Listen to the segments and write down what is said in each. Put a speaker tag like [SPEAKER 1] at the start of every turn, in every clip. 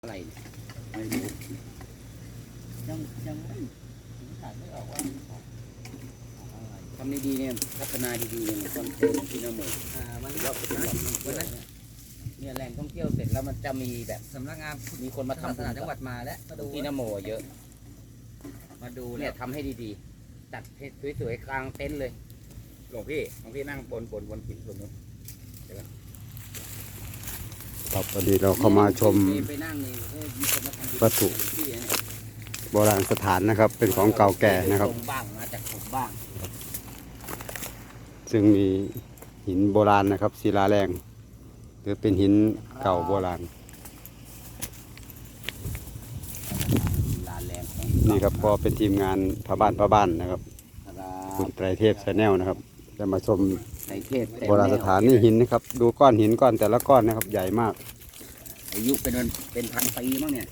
[SPEAKER 1] อะไรไม่รู้ยังไม่อ่านไม่ออกว่าอะไรทำดีๆเนี่ยพัฒนาดีๆเนี่ยคอนเทนต์ที่นโมมันว่าเป็นแบบเนี่ยแหล่งท่องเที่ยวเสร็จแล้วมันจะมีแบบ
[SPEAKER 2] สำนักงาน
[SPEAKER 1] มีคนมาทำ
[SPEAKER 2] ศาสนาจังหวัดมาแล้วมาดู
[SPEAKER 1] ที่นโมเยอะ
[SPEAKER 2] มาดู
[SPEAKER 1] เนี่ยทำให้ดีๆจัดให้สวยๆกลางเต็นท์เลยหลวงพี่นั่งบนหินตรงนู้น
[SPEAKER 3] ครับพอดีเราเข้ามาชมวัตถุโบราณสถานนะครับเป็นของเก่าแก่นะครับ
[SPEAKER 1] บ้างมาจากผมบ้าง
[SPEAKER 3] ซึ่งมีหินโบราณนะครับศิลาแรงหรือเป็นหินเก่าโบราณนี่ครับก็เป็นทีมงานพระบ้านนะครับคุณไตรเทพชาแนลนะครับจะมาชมโบราณสถานนี่หินนะครับดูก้อนหินก้อนแต่ละก้อนนะครับใหญ่มาก
[SPEAKER 1] อายุเป็นพันปีมั้งเนี่ย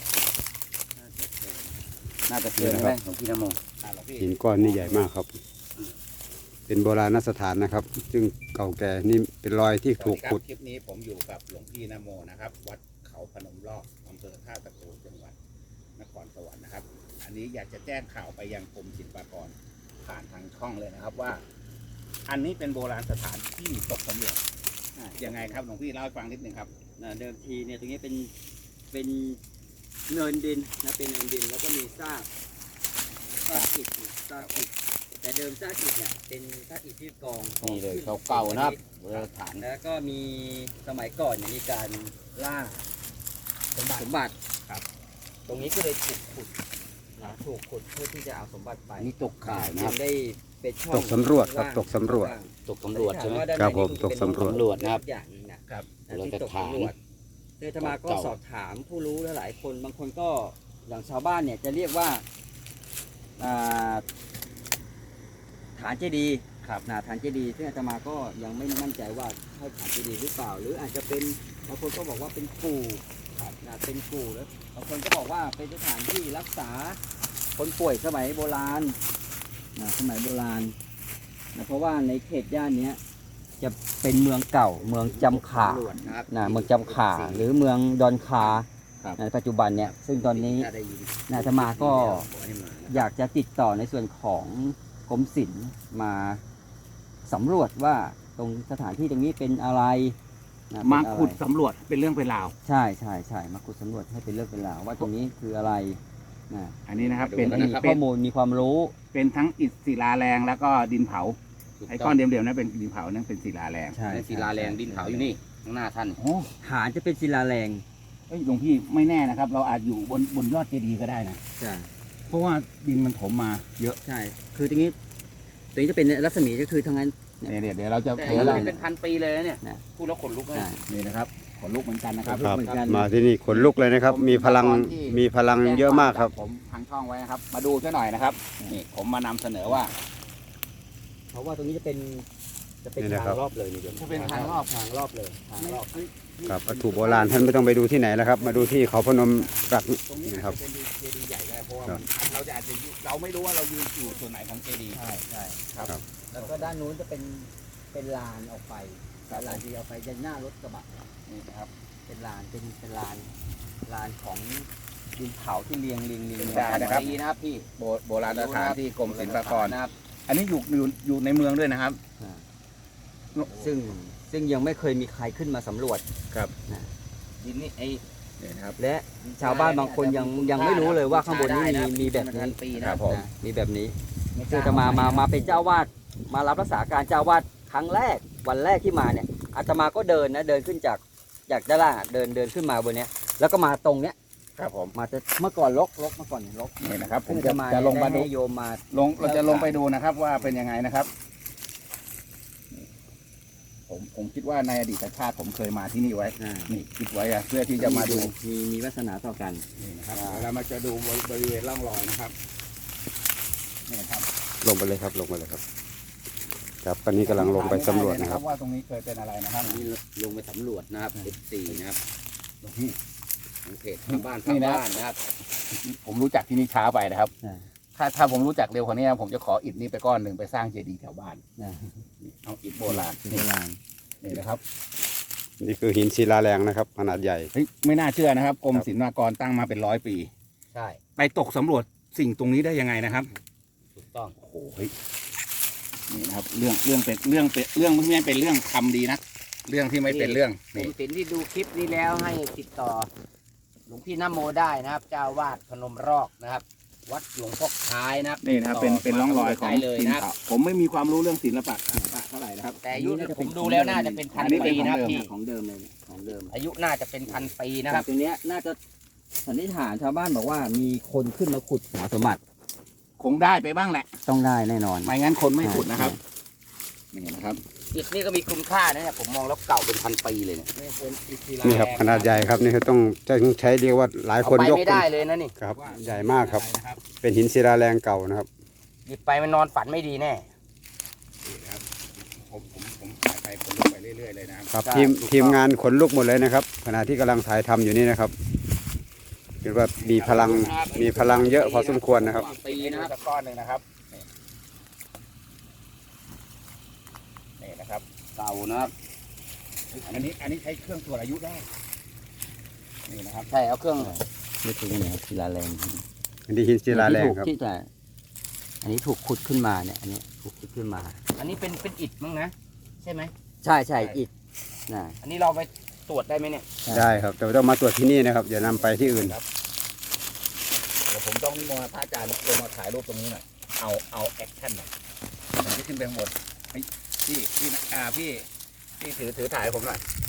[SPEAKER 1] น่าจะเกินไหมของพี่นโม
[SPEAKER 3] หินก้อนนี่ใหญ่มากครับเป็นโบราณสถานนะครับซึ่งเก่าแก่นี่เป็นรอยที่ถูกขุด
[SPEAKER 4] คลิปนี้ผมอยู่กับหลวงพี่นโมนะครับวัดเขาพนมรอบอำเภอท่าตะโกจังหวัดนครสวรรค์นะครับอันนี้อยากจะแจ้งข่าวไปยังกรมศิลปากรผ่านทางช่องเลยนะครับว่าอันนี้เป็นโบราณสถานที่ตกสำรวจยังไงครับหลวงพี่เล่าให้ฟังนิดนึงครับ
[SPEAKER 2] เดิมทีเนี่ยตรงนี้เป็นเนินดินนะเป็นเนินดินแล้วก็มีซากอิฐแต่เดิมซากอิฐเนี่ยเป็นซากอิฐที่กอง
[SPEAKER 1] นี่เลยเขาเก่านะครับโบราณสถาน
[SPEAKER 2] แล้วก็มีสมัยก่อนมีการล่าสมบัติ
[SPEAKER 1] ครับ
[SPEAKER 2] ตรงนี้ก็เลยถูกขุดเพื่อที่จะเอาสมบัติไป
[SPEAKER 1] นี่ตกข่ายนะครับ
[SPEAKER 2] ได้เป็นช่อง
[SPEAKER 3] ตกสำรวจครับตกสำรวจ
[SPEAKER 1] ใช่ไหม
[SPEAKER 3] ครับผมตกสำรวจ
[SPEAKER 2] นะครับอย่างนึงนะครับที่ตกสำรวจเทศมาก็สอบถามผู้รู้หลายคนบางคนก็อย่างชาวบ้านเนี่ยจะเรียกว่าฐานเจดีย์ครับฐานเจดีย์ซึ่งอาตมาก็ยังไม่มั่นใจว่าใช่ฐานเจดีย์หรือเปล่าหรืออาจจะเป็นบางคนก็บอกว่าเป็นกู่เป็นกู่แล้วบางคนก็บอกว่าเป็นสถานที่รักษาคนป่วยสมัยโบราณเพราะว่าในเขตย่านนี้จะเป็นเมืองเก่าเมืองจำขาเมืองจำขาหรือเมืองดอนคาในปัจจุบันเนี่ยซึ่งตอนนี้อาตมาก็อยากจะติดต่อในส่วนของกรมศิลป์มาสำรวจว่าตรงสถานที่ตรงนี้เป็นอะไร
[SPEAKER 1] มาขุดสำรวจเป็นเรื่องเป็นราว
[SPEAKER 2] ใช่มาขุดสำรวจให้เป็นเรื่องเป็นราวว่าตรงนี้คืออะไร
[SPEAKER 4] อันนี้นะครับ
[SPEAKER 2] เป็นข้อมูลมีความรู้
[SPEAKER 4] เป็นทั้งอิฐศิลาแรงแล้วก็ดินเผาไอ้ก้อนเดียวๆนั้นเป็นดินเผานั่นเป็นศิลาแรง
[SPEAKER 2] ใช่
[SPEAKER 1] ศิลาแรงดินเผาอยู่นี่ข้างหน้าท่าน
[SPEAKER 2] ฐานจะเป็นศิลาแรง
[SPEAKER 4] หลวงพี่ไม่แน่นะครับเราอาจอยู่บนยอดเจดีย์ก็ได้นะ
[SPEAKER 2] ใช่
[SPEAKER 4] เพราะว่าดินมันถมมาเยอะ
[SPEAKER 2] ใช่คือตรงนี้จะเป็นรัศมีก็คือทั้งนั้น
[SPEAKER 4] เดี๋ยวเราจะ
[SPEAKER 1] เป็นพันปีเลยเนี่ยพูดแล้วขนลุกเลย
[SPEAKER 4] นี่นะครับขนลุกเหมือนกันนะครับ
[SPEAKER 3] มาที่นี่ขนลุกเลยนะครับมีพลังเยอะมากครับ
[SPEAKER 4] ผมทางช่องไว้นะครับมาดูซะหน่อยนะครับนี่ผมมานำเสนอว่า
[SPEAKER 2] เพราะว่าตรงนี้จะเป็นทางรอบเลยนี่เดี๋ยว
[SPEAKER 4] จะเป็นทางรอบ
[SPEAKER 2] เลยทางรอบ
[SPEAKER 3] ครับวัตถุโบราณท่านไม่ต้องไปดูที่ไหนแล้วครับมาดูที่เขาพนมรัก
[SPEAKER 4] ตรงนี้นะครับเป็นเจดีย์ใหญ่เลยเพราะว่าเราจะอาจจะเราไม่รู้ว่าเรายืนอยู่ส่วนไหนของเจดีย์
[SPEAKER 2] ใช่ครับแล้วก็ด้านนู้นจะเป็นลานออกไปลานที่เอาไปยันหน้ารถกระบะ
[SPEAKER 4] นี่นะครับ
[SPEAKER 2] เป็นลานของดินเผาที่เรียง
[SPEAKER 4] นะครับพี่โบราณสถานที่กรมศิลปากรนะครับอันนี้อยู่ในเมืองด้วยนะครับ
[SPEAKER 2] ซึ่งยังไม่เคยมีใครขึ้นมาสำรวจ
[SPEAKER 4] ครับ
[SPEAKER 2] ดินนี่เนี่ยนะครับและชาวบ้านบางคนยังไม่รู้เลยว่าข้างบนนี้มีแบบนี้มีแบบนี้ซึ่งจะมาเป็นเจ้าวาดมารับรักษาการเจ้าวาดครั้งแรกวันแรกที่มาเนี่ยอาตมาก็เดินขึ้นจากด้านล่างเดินขึ้นมาบนเนี้ยแล้วก็มาตรงเนี้ย
[SPEAKER 4] ครับผม
[SPEAKER 2] มาจะเมื่อก่อนรกเมื่อก่อนรก
[SPEAKER 4] นี่นะครับผม
[SPEAKER 2] จะ
[SPEAKER 4] ลงมาดู
[SPEAKER 2] โยมมา
[SPEAKER 4] เราจะลงไปดูนะครับว่าเป็นยังไงนะครับผมคิดว่าในอดีตชาติผมเคยมาที่นี่ไว้นี่คิดไว้เพื่อที่จะมาดู
[SPEAKER 2] มีวาสนาต่อกัน
[SPEAKER 4] นี่นะครับแล้วมาจะดูบริเวณร่องรอยนะครับนี่ครับ
[SPEAKER 3] ลงไปเลยครับครับตอนนี้กำลังลงไปสำรวจนะครับ
[SPEAKER 4] ว่าตรงนี้เคยเป็นอะไรนะครับ
[SPEAKER 1] นี่ลงไปสำรวจนะครับ14นะครับของเพจบ้านนะครับ
[SPEAKER 4] ผมรู้จักที่นี่ช้าไปนะครับถ้าผมรู้จักเร็วกว่านี้ผมจะขออิฐนี้ไปก้อนหนึ่งไปสร้างเจดีย์แถวบ้านเอาอิฐโบราณนี่นะครับ
[SPEAKER 3] นี่คือหินศิลาแรงนะครับ ขนาดใหญ่
[SPEAKER 4] เฮ้ยไม่น่าเชื่อนะครับกรมศิลปากรตั้งมาเป็น100 ปี
[SPEAKER 1] ใช่
[SPEAKER 4] ไปตกสำรวจสิ่งตรงนี้ได้ยังไงนะครับ
[SPEAKER 1] ถูกต้อง
[SPEAKER 4] โอ้โหเฮ้ยนี่นะครับเรื่องเป็นเรื่องไม่เป็นเรื่องคำดีนะเรื่องที่ไม่เป็นเรื่อง
[SPEAKER 1] ผ
[SPEAKER 4] นี่
[SPEAKER 1] มสินที่ดูคลิปนี้แล้วให้ติดต่อหลวงพี่นโมได้นะครับ เจ้าวาดพนมรอกนะครับ วัดหลวงพ่อคล้ายนะครับ
[SPEAKER 4] นี่นะครับเป็นร่องรอยของ
[SPEAKER 1] ได้เลยนะครับ
[SPEAKER 4] ผมไม่มีความรู้เรื่องศิลปะเท่าไหร่นะครับ
[SPEAKER 1] แต่อายุผมดูแล้วน่าจะเป็นพัน
[SPEAKER 4] อันนี้เป็
[SPEAKER 1] ปี
[SPEAKER 4] น
[SPEAKER 1] นะครับ
[SPEAKER 4] ของเดิม
[SPEAKER 1] พี่
[SPEAKER 2] ของเดิมเลยเนี่ยของเดิม
[SPEAKER 1] อายุน่าจะเป็นพันปีนะครับ
[SPEAKER 2] ตัวเนี้ยน่าจะสันนิษฐานชาวบ้านบอกว่ามีคนขึ้นมาขุดหาสมบัติ
[SPEAKER 4] คงได้ไปบ้างแหละ
[SPEAKER 2] ต้องได้แน่นอน
[SPEAKER 4] ไม่งั้นคนไม่ขุดนะครับนี่นะครับ
[SPEAKER 1] อิฐนี่ก็มีคุณค่านะเนี่ยผมมองแล้วเก่าเป็นพันปีเลยเนี่ย
[SPEAKER 3] นี่ครับขนาดใหญ่ครับนี่คือต้องใช้เรียกว่าหลายคน
[SPEAKER 1] เอาไป
[SPEAKER 3] ยก
[SPEAKER 1] ไม่ได้เลยนะนี่
[SPEAKER 3] ครับ ใหญ่มากครับ เป็นหินศิลาแรงเก่านะครับ
[SPEAKER 1] หยิบไปมันนอนฝันไม่ดีแน่
[SPEAKER 4] นี่ครับผมถ่ายไปคนลุกไปเรื่อยๆเลยนะครับ
[SPEAKER 3] ครับ
[SPEAKER 1] ใช่
[SPEAKER 3] ทีม
[SPEAKER 1] ถูกต้อง
[SPEAKER 3] ทีมงานขนลุกหมดเลยนะครับ ขณะที่กำลังถ่ายทำอยู่นี่นะครับคิดว่ามีพลังเยอะพอสมควรนะครับ
[SPEAKER 1] ปีนะครับ
[SPEAKER 4] สักก้อนหนึ่งนะครับนี่นะครับ
[SPEAKER 1] เก่านะครับ
[SPEAKER 4] อันนี้ใช้เครื่องตรวจอายุได้นี่นะครับ
[SPEAKER 1] ใช่เอาเครื่อง
[SPEAKER 2] นี่คือเนี่ยศิลาแรง
[SPEAKER 3] อันนี้หินศิลาแรงครับ
[SPEAKER 2] ที่แต่อันนี้ถูกขุดขึ้นมาเนี่ยอันนี้ถูกขุดขึ้นมา
[SPEAKER 1] อันนี้เป็นอิฐมั้งนะใช่ไหม
[SPEAKER 2] ใช่ใช่อิฐนะ
[SPEAKER 1] อันนี้เราไปตรวจได้ไหมเนี่ย
[SPEAKER 3] ได้ครับแต่ว่าต้องมาตรวจที่นี่นะครับอย่านำไปที่อื่น
[SPEAKER 4] เดี๋ยวผมต้องนิมนต์พระอาจารย์ลงมาถ่ายรูปตรงนี้หน่อยเอาแอคชั่นหน่อยผมจะขึ้นไปข้างบนเฮ้ยพี่ถือถ่ายให้ผมหน่อย